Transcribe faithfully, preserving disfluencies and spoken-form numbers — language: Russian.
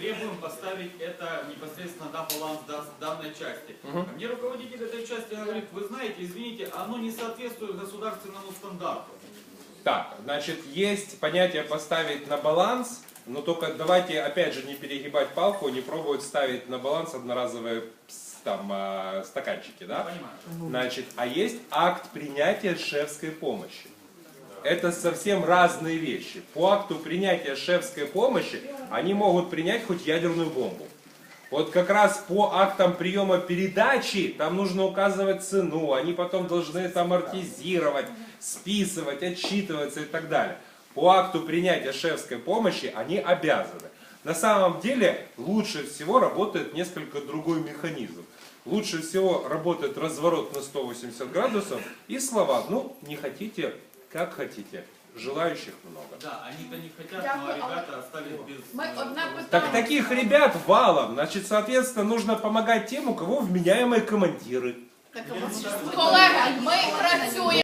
требуем поставить это непосредственно на баланс данной части. Угу. Мне руководитель этой части говорит, вы знаете, извините, оно не соответствует государственному стандарту. Так, значит, есть понятие поставить на баланс, но только давайте, опять же, не перегибать палку, не пробовать ставить на баланс одноразовые там, стаканчики, да? Понимаю. Значит, а есть акт принятия шефской помощи. Это совсем разные вещи. По акту принятия шефской помощи они могут принять хоть ядерную бомбу. Вот как раз по актам приема передачи там нужно указывать цену, они потом должны там амортизировать, списывать, отчитываться и так далее. По акту принятия шефской помощи они обязаны. На самом деле лучше всего работает несколько другой механизм. Лучше всего работает разворот на сто восемьдесят градусов и слова, ну не хотите, как хотите. Желающих много. Да, они-то не хотят, но ребята остались без... Так таких ребят валом. Значит, соответственно, нужно помогать тем, у кого вменяемые командиры. Колеги, ми працюємо.